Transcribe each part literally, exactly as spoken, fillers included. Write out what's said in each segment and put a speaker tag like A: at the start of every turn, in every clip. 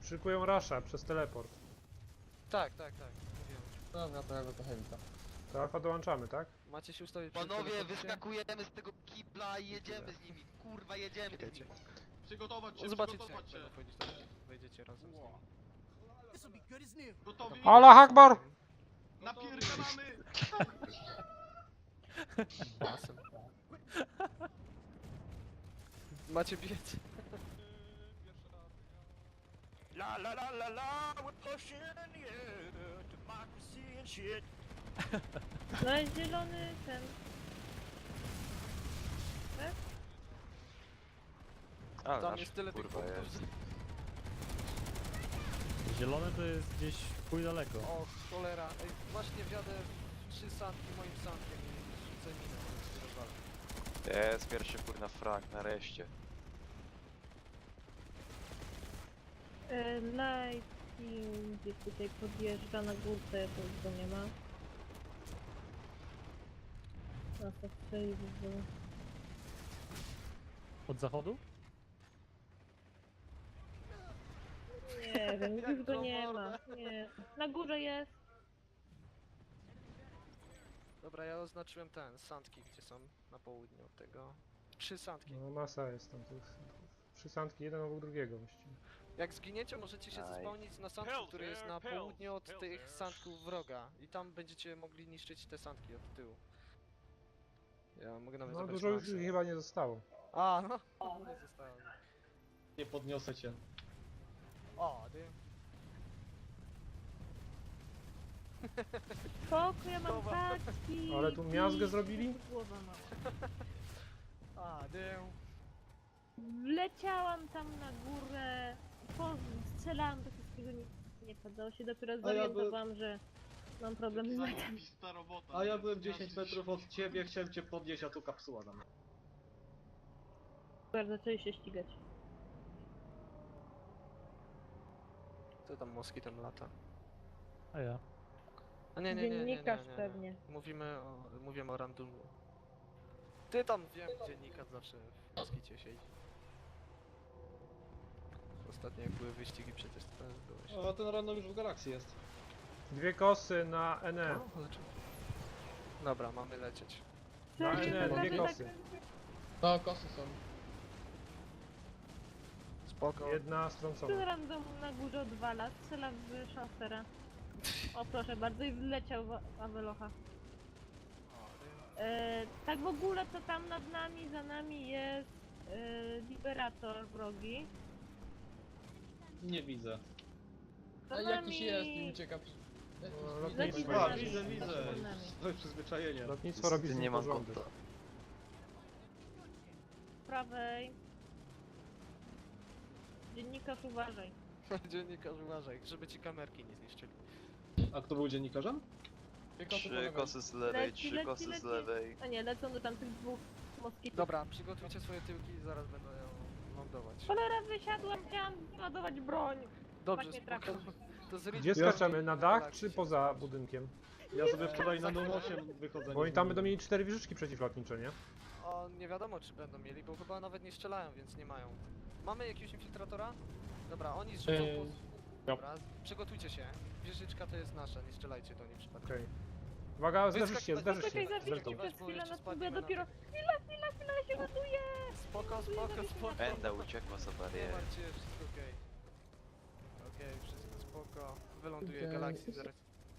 A: Szykują rasza przez teleport.
B: Tak, tak, tak. Mówiłem.
C: Dobra, to ja go trochę witam.
A: To alfa dołączamy, tak?
B: Macie się ustawić przy
D: Panowie,
B: teleporcie?
D: wyskakujemy z tego kibla i jedziemy z nimi. Kurwa, jedziemy z
B: Czekajcie.
D: nimi.
E: Przygotować się,
B: Zobaczycie,
E: przygotować
B: jak
E: się.
B: będą wchodzić, to wejdziecie razem z nimi.
E: Gotowi?
A: Allah Akbar!
E: Napierdalamy!
B: Basem. Macie biec.
F: La la la la la, we're pushing, yeah, democracy and shit.
G: No jest zielony ten.
H: A,
B: Tam
H: nasz,
B: jest tyle tych
H: kurwa,
B: punktów.
H: jest.
I: Zielone to jest gdzieś chuj daleko.
B: O cholera. Ej, właśnie wjadę w trzy sandki moim sandkiem i rzucę minę. to rozwalę.
H: Jest pierwszy kurna frag, nareszcie.
G: E, Lighting gdzieś tutaj podjeżdża na górce, to już go nie ma. Na to strzeli by było.
I: Od zachodu?
G: Nie wiem,
B: Jak
G: już go
B: to
G: nie
B: morda.
G: ma. Nie. Na górze jest.
B: Dobra, ja oznaczyłem ten, sandki, gdzie są na południu od tego. Trzy sandki.
A: No masa jest tam tych. Trzy sandki, jeden obok drugiego właściwie.
B: Jak zginiecie, możecie się
H: Aj.
B: zespałnić na sandku, który jest na południu od tych sandków wroga. I tam będziecie mogli niszczyć te sandki od tyłu. Ja mogę nawet
A: No
B: zabrać
A: dużo już
B: Maxa.
A: ich chyba nie zostało.
B: A, no. Nie zostało.
C: Nie podniosę cię.
B: O, ty.
G: Spoko, ja mam
B: Dobra.
G: tacki.
A: Ale tu miazgę zrobili?
G: Głowa mała.
B: A, ty.
G: Wleciałam tam na górę. Po, strzelałam do wszystkiego, nic nie padało się. Dopiero
C: ja by-
G: zorientowałam, że mam problem z metem.
E: Zajebista robota.
C: A ja byłem dziesięć metrów od ciebie, chciałem cię podnieść, a tu kapsuła na mnie.
G: Bardzo zaczęli się ścigać.
B: Co tam moskitem lata?
I: A ja.
B: A nie, nie, nie, nie, nie, nie,
G: Dziennikarz
B: nie.
G: pewnie.
B: Mówimy o, mówimy o randomu. Ty tam wiem, dziennikarz zawsze w moskicie siedzi. Ostatnio jak były wyścigi przecież to też byłeś.
C: A ten random już w galakcji jest.
A: Dwie kosy na N E.
B: O, ale czemu? Dobra, mamy lecieć.
A: Na
G: Słuchajcie,
A: N E,
G: to
A: dwie
G: znaczy
A: kosy.
C: No, kosy są.
B: Spoko.
A: Jedna
G: Ten
A: strącona.
G: random na górze odwala, strzela w szafera. O proszę bardzo i wleciał w Awelocha. E, tak w ogóle to tam nad nami, za nami jest e, Liberator wrogi.
C: Nie widzę.
G: Za
C: A
G: nami...
C: jakiś jest i ucieka.
A: No,
G: Leci
A: lotnictwo,
G: za
C: A,
G: nami.
C: widzę, widzę.
G: Za nami.
C: To jest przyzwyczajenie.
A: lotnictwo robi z
H: Niestety
A: nim
H: nie mam
A: porządek.
H: konta.
G: Z prawej. Dziennikarz uważaj.
B: Dziennikarz uważaj, żeby ci kamerki nie zniszczyli.
C: A kto był dziennikarzem?
H: Trzy kosy z lewej,
G: Leci,
H: trzy
G: leci,
H: kosy z
G: leci.
H: lewej.
G: A nie, lecą do tamtych dwóch moskitów.
B: Dobra, przygotujcie swoje tyłki i zaraz będą ją lądować.
G: Cholera, wysiadłam, chciałam ładować broń.
B: Dobrze,
G: tak mnie
B: spoko.
G: trafił.
B: To z
A: Gdzie skaczemy? Na dach czy poza budynkiem?
C: Ja sobie wczoraj na dom osiem wychodzę.
A: Bo oni tam będą mieli cztery wieżyczki przeciwlotnicze, nie?
B: O, nie wiadomo czy będą mieli, bo chyba nawet nie strzelają, więc nie mają. Mamy jakiegoś infiltratora? Dobra, oni zrzucą
C: Eee,
B: po... Dobra, przygotujcie się. Wieżyczka to jest nasza, nie strzelajcie do niej przypadkiem.
A: Okej. Uwaga, zderzysz się,
B: Wyskak-
A: zderzysz się.
G: Czekaj, zawiśnie
A: Zerką.
G: przez
B: Bo
G: chwilę
B: jeszcze
G: na
B: spadniemy
G: próbę,
B: na
G: dopiero...
B: dół.
G: Chwila, chwila, chwila, ja się ładuję!
B: Spoko, spoko, spoko.
H: Enda uciekła za
B: Nie
H: barierę.
B: martwcie się, wszystko okej. Okej, wszystko spoko. Wyląduje
C: Okej.
B: galakcji zaraz.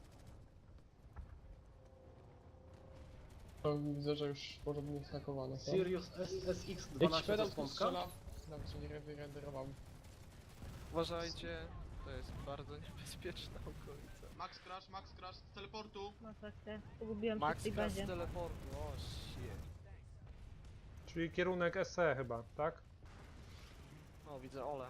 J: To widzę, że już porządnie snakowane są.
C: Sirius S S X
J: Jakiś
C: dwanaście
J: pedał
C: to
J: tu
C: skądka?
J: strzela. Nawet się nie wyrenderował.
B: Uważajcie, to jest bardzo niebezpieczna okolica.
E: Max Crash, Max Crash z teleportu.
G: Masakra, pogubiłam się w
B: Max
G: tej
B: Crash z
G: bazie.
B: teleportu, o shit.
A: Czyli kierunek S E chyba, tak?
B: O, widzę Ole.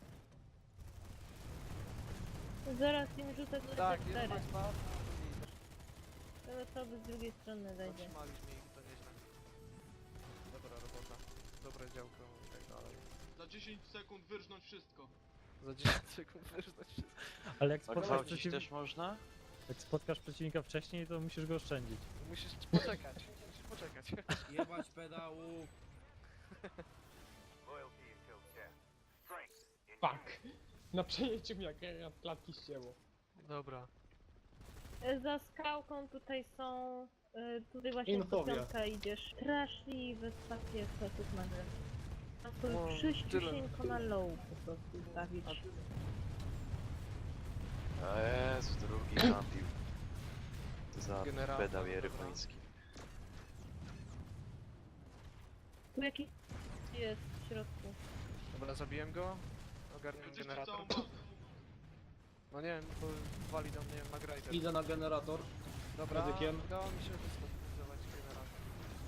G: Zaraz im rzucę
B: Tak, jest
G: cztery.
B: Max Crash.
G: Te osoby z drugiej strony wejdzie.
B: Zatrzymaliśmy ich, to nieźle. Dobra robota. Dobre działko i tak dalej.
E: Za dziesięć sekund wyrżnąć wszystko.
B: Za dziesięć sekund wyrzucać wszystko.
I: Ale jak
H: A
I: spotkasz,
H: gwałcić
I: przeciw...
H: też można?
I: jak spotkasz przeciwnika wcześniej, to musisz go oszczędzić.
B: Musisz poczekać, musisz poczekać.
F: Jebać pedału.
J: Fuck! Na przejęciu mi jak jak klatki ścięło.
B: Dobra.
G: E, Za skałką tutaj są... e, Tutaj właśnie
C: Infobia.
G: piątka idziesz. Straszliwe stacje setów na grę. A
B: O,
G: to przyściusieńko
B: tyle.
G: na low po prostu ustawić.
H: A Jezu, drugi napił. Za
B: Generał.
H: pedał jerychoński.
G: Tu jakiś jest w środku.
B: Dobra, zabiłem go. Ogarniam
E: Zniszczyć
B: generator.
E: całą bazę.
B: No nie wiem, bo wali do mnie Magrider.
C: Idę na generator.
B: Dobra,
C: medykiem.
B: udało mi się wystabilizować generator.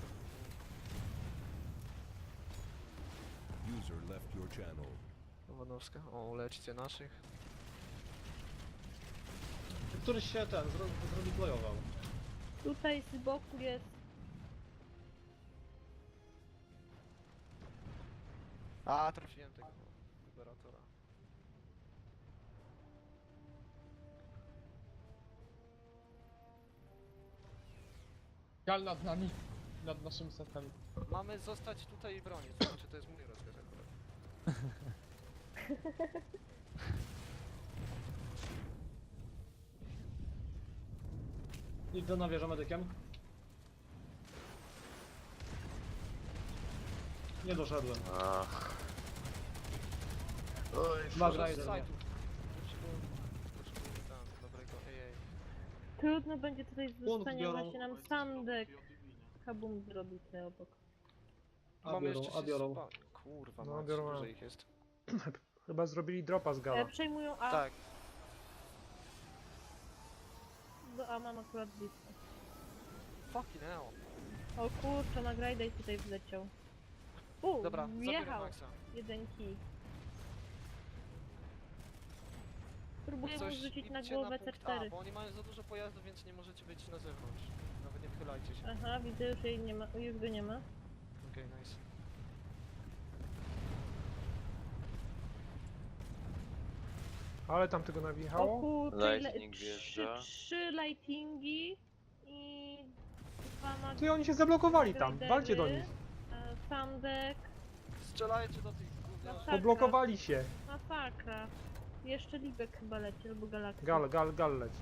K: User left your channel.
B: Nowodowska. O, leczcie naszych.
C: Któryś się ten zro zrodeployował.
G: Tutaj z boku jest...
B: A, trafiłem tego liberatora.
J: Gal nad nami. Nad naszymi setami.
B: Mamy zostać tutaj i bronić, to znaczy to jest mój rozkaz akurat.
C: Idę na wieżę medykiem. Nie doszedłem.
H: Ach. Oj,
C: Mag
B: Może z
C: Rider.
B: sajtu. Potrzebuję, potrzebuję tam dobrego ej ej.
G: Trudno będzie tutaj z
C: Punkt
G: zostania
C: biorą.
G: właśnie nam Sandek. Kabum zrobił tutaj obok.
C: A
B: Mamy
C: biorą,
B: jeszcze
C: a
B: się
C: biorą.
B: spa- Kurwa,
A: No,
B: no,
A: biorą,
B: dużo
A: a.
B: ich jest.
A: Chyba zrobili dropa z
G: E,
A: gala.
G: przejmują A,
B: Tak,
G: do A mam akurat blisko.
B: fucking hell.
G: O kurczę, Magrider tutaj wleciał. U,
B: Dobra, zabieram
G: wjechał
B: Maxa.
G: jeden kij. Próbuję mu rzucić na
B: idźcie
G: głowę
B: punkt
G: C cztery.
B: A, bo oni mają za dużo pojazdów, więc nie możecie być na zewnątrz. Nawet nie wychylajcie się.
G: Aha, widzę, już jej nie ma, już go nie ma.
B: Okej, nice.
A: Ale tam tego
G: O
A: nawijało.
G: kurczę, ile,
H: Lightning
G: trzy,
H: wjeżdża.
G: trzy lightingi i dwa mag...
A: Ty, oni się zablokowali tam, walcie do nich.
G: e, Sandek,
B: Strzelajcie do tych gówniarzy.
G: Masakra.
A: Poblokowali się.
G: masakra. Jeszcze Libek chyba leci, albo Galaktyk.
A: Gal, gal, gal leci.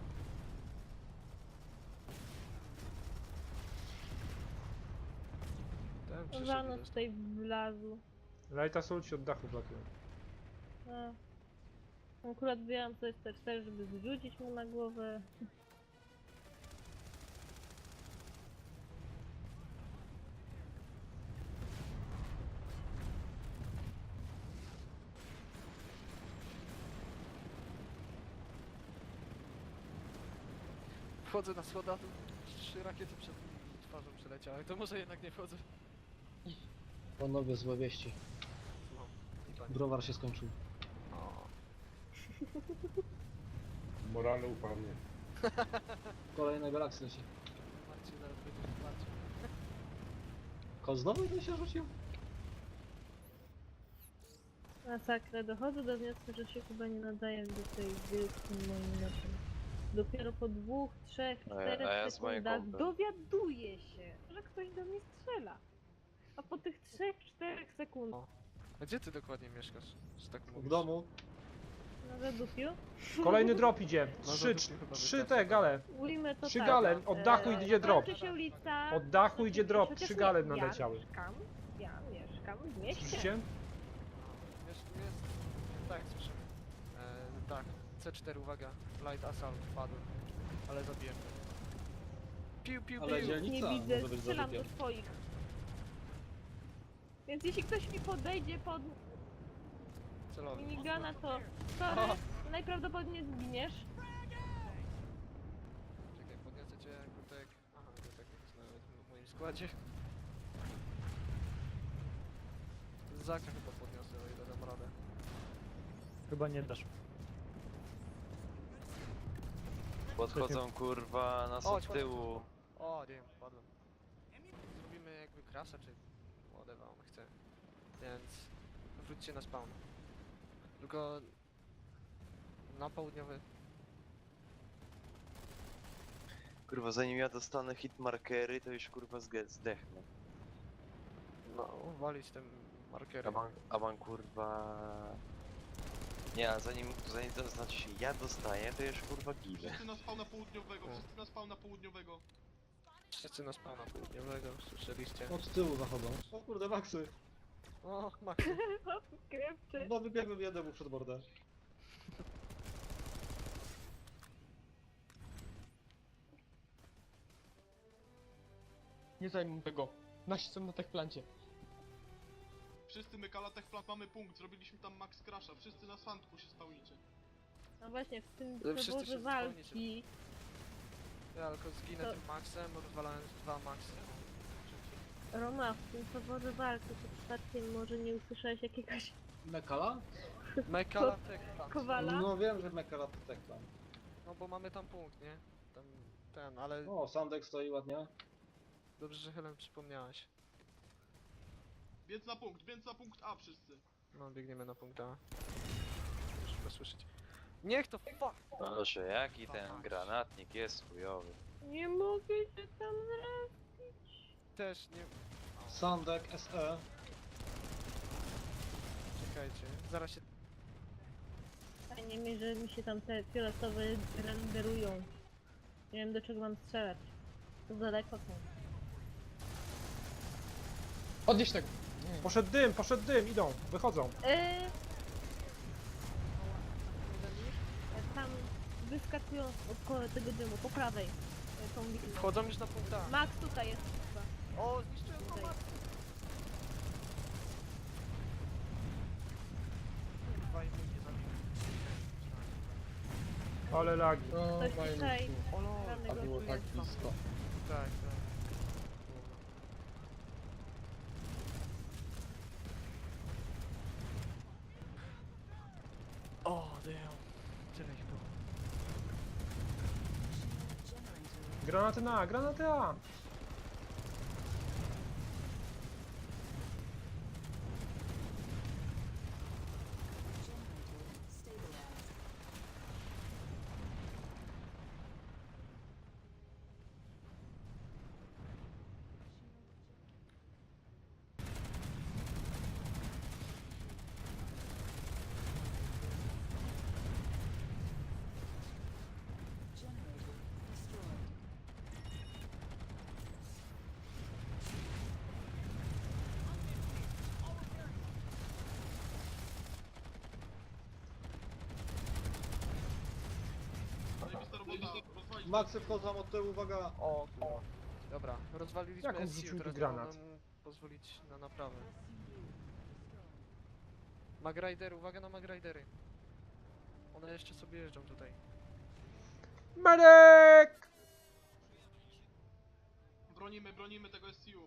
B: Ten przyszedł
G: Zanos
B: do-
G: tutaj wlazł.
A: Lighta Soul ci od dachu blokują.
G: A. Akurat wyjęłam sobie C cztery, żeby zrzucić mu na głowę.
B: Wchodzę na schoda, tu trzy rakiety przed twarzą przeleciały, to może jednak nie wchodzę.
C: Panowie, złe wieści.
B: Słucham. I pani.
C: Browar się skończył.
B: O,
K: Morale upadnie.
C: Kolejne galaksy leci.
B: Marcin zaraz będzie płacił.
C: Ko znowu jeden się rzucił?
G: Masakra, dochodzę do wniosku, że się chyba nie nadaję do tej gry z tym moim meczem. Dopiero po dwóch, trzech,
H: A ja-
G: czterech
H: a ja z moim
G: sekundach
H: kompem.
G: dowiaduję się, że ktoś do mnie strzela. A po tych trzech, czterech sekundach
B: A gdzie ty dokładnie mieszkasz? Że tak mówisz?
C: W domu.
G: na zadupiu
A: Kolejny drop idzie.
B: No,
A: Trzy,
B: to chyba
A: trzy
B: wystarczy.
A: te gale.
G: ujmę to
A: Trzy
G: tak.
A: gale, od dachu
G: e,
A: idzie drop.
G: kończy się ulica.
A: Od dachu idzie drop,
G: Chociaż
A: trzy
G: nie,
A: gale
G: ja
A: nadleciały.
G: mieszkam, ja mieszkam w mieście.
A: Słyszycie?
B: Jest, jest. Tak, słyszymy. E, tak, C cztery, uwaga. Light Assault, padł. Ale zabiłem. Piu, piu,
C: Ale
B: piu.
C: dzielnica
G: Nie widzę,
C: może być
G: strzelam do
C: zarzutem.
G: swoich. Więc jeśli ktoś mi podejdzie pod
B: Celowy.
G: minigana, to sorry, najprawdopodobniej zginiesz.
B: Czekaj, podniosę cię, Gutek. Aha, Gutek jest nawet w moim składzie. Zaka chyba podniosę, o ile dam radę.
I: Chyba nie dasz.
H: Podchodzą kurwa nas
B: Chodź,
H: od
B: chodź,
H: tyłu.
B: O, nie, padłem. Zrobimy jakby krasa, czy whatever on chce. Więc wróćcie na spawn. Tylko na południowy.
H: Kurwa, zanim ja dostanę hit markery, to już kurwa zge- zdechnę.
B: No, walić tym markerem.
H: A man, a man kurwa... Nie, a zanim, zanim to znaczy się ja dostaję, to już kurwa ginę.
E: Wszyscy na spawna południowego,
B: O.
E: wszyscy na spawna południowego.
B: Wszyscy na spawna południowego, słyszeliście?
C: Od tyłu zachodzą. O kurde, Maxy.
B: O, Max.
G: Krewczy.
C: No wybiegłem jednemu przed bordę.
J: Nie zajmę tego. Nasi są na techplancie.
E: Wszyscy my Kalatech Plat mamy punkt, zrobiliśmy tam Max Crasha, wszyscy na sandku się spełnicie.
G: No właśnie, w tym
B: Ale wszyscy
G: przeworze
B: się
G: walki
B: Ja tylko zginę
G: To-
B: tym Maxem, rozwalając dwa Maxy.
G: Roma, w tym przeworze walki to przypadkiem może nie usłyszałeś jakiegoś
C: Mekala?
B: Mekala Tekla.
G: kowala?
C: No wiem, że Mekala to tak tam.
B: No bo mamy tam punkt, nie? Tam ten, ale
C: O, Sandek stoi ładnie.
B: dobrze, że Helen przypomniałaś.
E: Więc na punkt, więc na punkt A wszyscy.
B: No, biegniemy na punkt A. Muszę go słyszeć. Niech to fuck!
H: Proszę, jaki ten granatnik jest chujowy.
G: Nie mogę się tam zrespić.
B: Też nie...
C: Sandek, S E.
B: Czekajcie, zaraz się...
G: Fajnie mi, że mi się tam te fioletowe renderują. Nie wiem do czego mam strzelać. To daleko są.
J: Odnieś tego. Nie.
A: Poszedł dym, poszedł dym, idą, wychodzą.
G: Eee... Tam wyskakują od tego dymu, po prawej. e, Tą widzę.
B: Wchodzą już na punkt A.
G: Max tutaj jest chyba.
B: O, zniszczyłem go,
G: Tutaj.
B: Max! Kurwa, i mnie nie zabił.
A: Ale lagi.
J: O,
G: Ktoś
J: fajnie.
G: tutaj.
B: O no,
J: A
G: Żadnego
J: było
G: tu
J: tak
G: jest.
J: blisko.
B: tak, tak. O, damn. Tyle ich było.
A: Granaty na A, granaty A.
E: Zajebista robota, rozwalić.
C: Maxy wchodzą od tyłu, uwaga.
B: O, kurwa. Dobra, rozwaliliśmy
A: Jak on
B: S C,
A: rzucił
B: teraz
A: granat?
B: można mu pozwolić na naprawę. Magrider, uwaga na Magridery. One jeszcze sobie jeżdżą tutaj.
A: Medek!
E: Bronimy, bronimy tego S C U.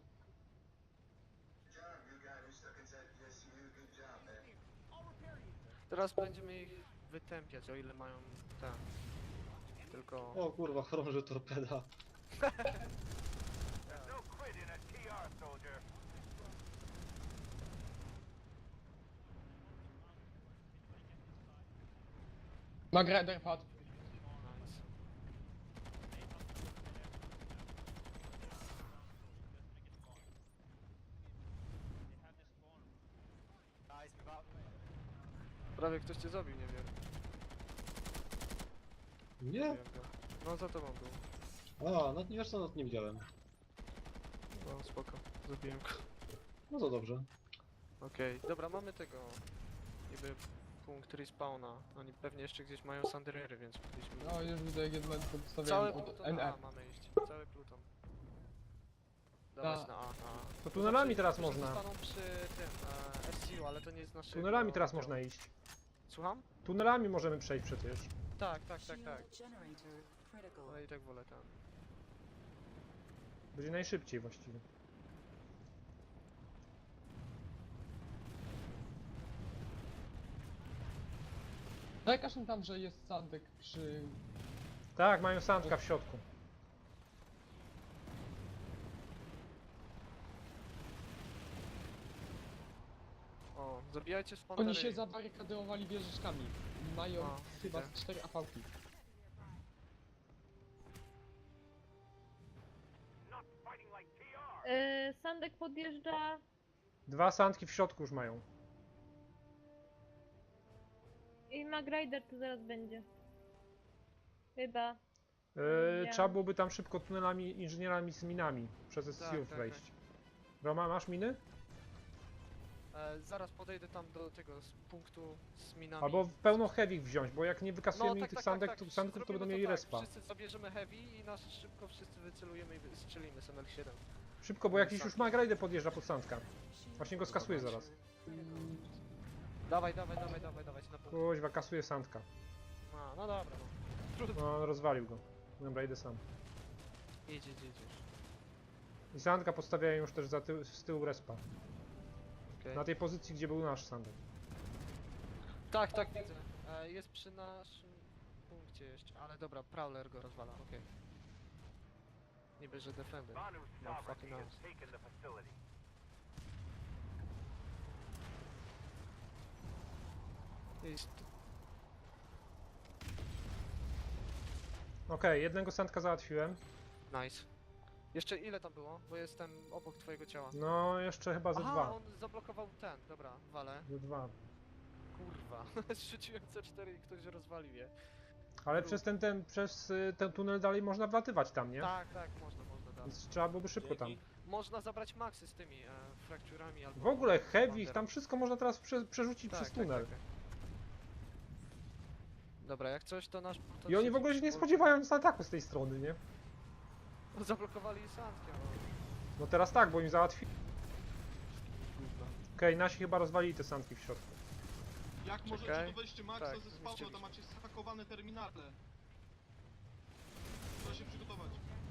B: Teraz będziemy ich wytępiać, o ile mają ten. Tylko...
C: O kurwa, chorąży torpeda.
F: No quit in a T R, soldier.
J: Magrider padł.
B: Nice. Prawie ktoś cię zabił, nie wiem.
C: Nie?
B: Zabiłem go. No za tobą był.
C: A, no nie wiesz co, no nie widziałem.
B: No spoko, zabiłem go.
C: No to dobrze.
B: Okej, dobra, mamy tego niby punkt respawna. Oni pewnie jeszcze gdzieś mają sanderery, więc powinniśmy...
J: No już widzę jedno podstawiałem
B: Cały
J: od
B: pluton
J: N
B: na
J: R.
B: A mamy iść, cały pluton. Dawać
J: Ta.
B: na A, na A.
A: To tunelami
B: Znaczy,
A: teraz
B: niektórzy
A: można.
B: zostaną przy tym, e, S C U, ale to nie jest nasze...
A: Tunelami teraz można iść.
B: Słucham?
A: Tunelami możemy przejść przecież.
B: Tak, tak, tak, tak. Ale i tak wolę tam.
A: Będzie najszybciej właściwie.
J: Zajkaż mi tam, że jest Sandek przy...
A: Tak, mają sandka w środku.
B: O, zabijajcie spandery.
J: Oni się zabarykadowali wieżyczkami. Mają
B: O,
J: chyba
B: widzę.
J: cztery A V-ki.
F: Not fighting like T R.
G: Eee, Sandek podjeżdża.
A: Dwa sandki w środku już mają.
G: I Magrider tu zaraz będzie. Chyba.
A: Yy,
G: Ja.
A: trzeba byłoby tam szybko tunelami, inżynierami z minami przez S C U
B: Tak, tak,
A: wejść. Roma, masz miny?
B: E, zaraz podejdę tam do tego z punktu z minami.
A: Albo pełno heavy wziąć, bo jak nie wykasujemy
B: tak,
A: tych
B: tak,
A: sandek,
B: tak,
A: to
B: tak.
A: sandków, to
B: Zrobimy
A: będą mieli
B: tak.
A: respa.
B: Wszyscy zabierzemy heavy i nas szybko wszyscy wycelujemy i wystrzelimy z M L siedem.
A: Szybko, bo jakiś już Magrajdę podjeżdża pod sandka. Właśnie go skasuje zaraz.
B: Dawaj, dawaj, dawaj, dawaj, dawaj, na punkt.
A: Kuźwa, kasuje sandka.
B: A, no dobra, no. Trudno.
A: No, rozwalił go. Dobra, idę sam.
B: Idź, idź, idź już.
A: I sandka podstawiają już też za tył, z tyłu respa.
B: Okej.
A: Na tej pozycji, gdzie był nasz sandek.
B: Tak, tak, widzę. E, jest przy naszym punkcie jeszcze, ale dobra, Prowler go rozwala, okej. Niby, że Defender. No fucking house. Jest.
A: Okej, jednego sandka załatwiłem.
B: Nice. Jeszcze ile tam było? Bo jestem obok twojego ciała.
A: No, jeszcze chyba ze
B: Aha,
A: dwa.
B: on zablokował ten, dobra, wale.
A: Ze dwa.
B: Kurwa, zrzuciłem C cztery i ktoś rozwalił je.
A: Ale przez ten, ten, przez y, ten tunel dalej można wlatywać tam, nie?
B: Tak, tak, można, można dalej.
A: Więc trzeba byłoby szybko tam.
B: Można zabrać maksy z tymi e, frakturami albo...
A: W ogóle heavy,
B: Wonder.
A: tam wszystko można teraz prze, przerzucić
B: Tak,
A: przez
B: tak,
A: tunel.
B: tak, tak. Dobra, jak coś to nasz... To
A: I oni w
B: siedzi
A: ogóle się nie
B: przy-
A: spodziewają nic ataku z tej strony, nie?
B: Zablokowali sandkiem.
A: No teraz tak, bo im załatwi.
B: Gówno.
A: Okej, nasi chyba rozwalili te sandki w środku.
E: Jak możecie,
B: Czekaj.
E: to weźcie Maxa
B: Tak,
E: ze spawna,
B: zniszczyliśmy.
E: tam macie zhakowane terminale. Trzeba się przygotować.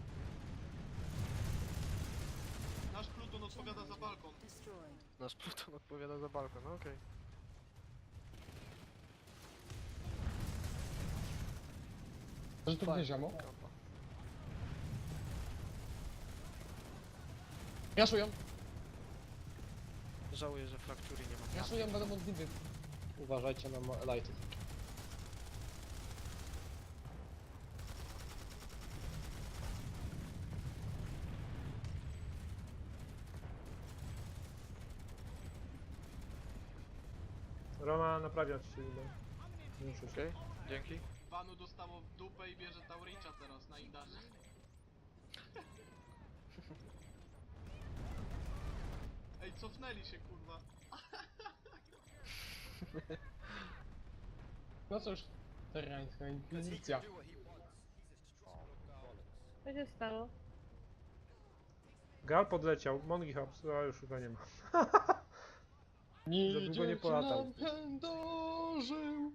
E: Nasz Pluton odpowiada za balkon.
B: Nasz Pluton odpowiada za balkon, no okej.
J: Że tu będzie ziamo?
B: Kampa.
J: Jaszują,
B: Żałuję, że fraktury nie ma.
J: jaszują, będą modliwy. Uważajcie na ma- lighty.
A: Roma, naprawiać się idę. Muszę się.
B: Okej, dzięki.
E: Wanu dostało w dupę i bierze Tauricza teraz na Indarze. Ej, cofnęli się kurwa.
J: No cóż, terrańska inkwizycja.
G: Co się stało?
A: Gal podleciał, Mongi Hops, a już chyba nie ma.
J: Nie
A: Za długo nie polatał.
J: Pędożył.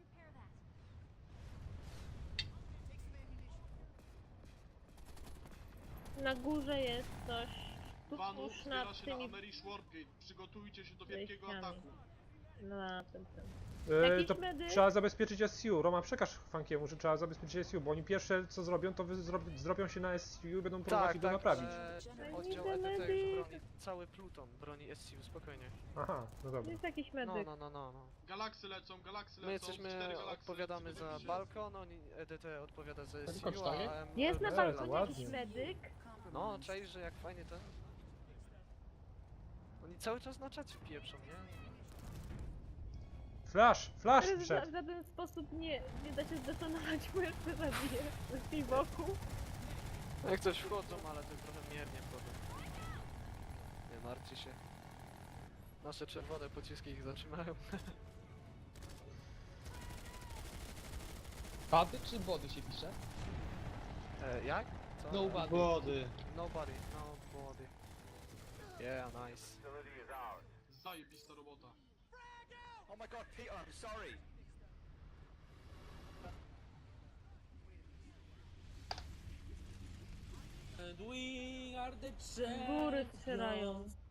G: Na górze jest coś.
E: Wanu
G: Tuż
E: wspiera
G: nad
E: się na
G: tymi
E: Amerish Wargate. Przygotujcie się do wielkiego
G: wejściami.
E: ataku.
G: No, na tym, tym.
A: E,
G: Jakiś
A: to
G: medyk?
A: trzeba zabezpieczyć S C U. Roma, przekaż Funkiemu, że trzeba zabezpieczyć S C U, bo oni pierwsze co zrobią, to wy zrob, zrobią się na S C U i będą próbować
B: Tak,
A: ich go
B: tak,
A: naprawić.
B: e, oddział E D T już broni, cały Pluton broni S C U, spokojnie.
A: Aha, no dobra.
G: Jest jakiś
B: No,
G: medyk.
B: no, no, no, no.
E: Galaksy lecą, galaksy
B: My
E: lecą.
B: jesteśmy,
E: cztery galaksy,
B: odpowiadamy za
E: przygotujcie się.
B: balkon, oni E D T odpowiada za S C
J: Tylko
B: U,
J: cztery?
B: a M-
G: Jest na
B: M-
G: balkonie
A: ładnie.
G: jakiś medyk?
B: No, czaisz, że jak fajnie ten... Oni cały czas na czacie pieprzą, nie?
A: Flash, flash
G: Ale w
A: wszedł.
G: ża- żaden sposób nie, nie da się zdetonować, bo jeszcze zabiję z tej boku.
B: Jak coś wchodzą, ale to trochę miernie wchodzą. Nie martwcie się. Nasze czerwone pociski ich zatrzymają.
J: Bady czy body się pisze?
B: E, jak? Co?
J: No bady.
C: Wody.
B: Nobody, nobody. Yeah, nice.
E: Zajebista robota.
F: Oh my god, Peter, I'm sorry.
G: Z góry strzelają.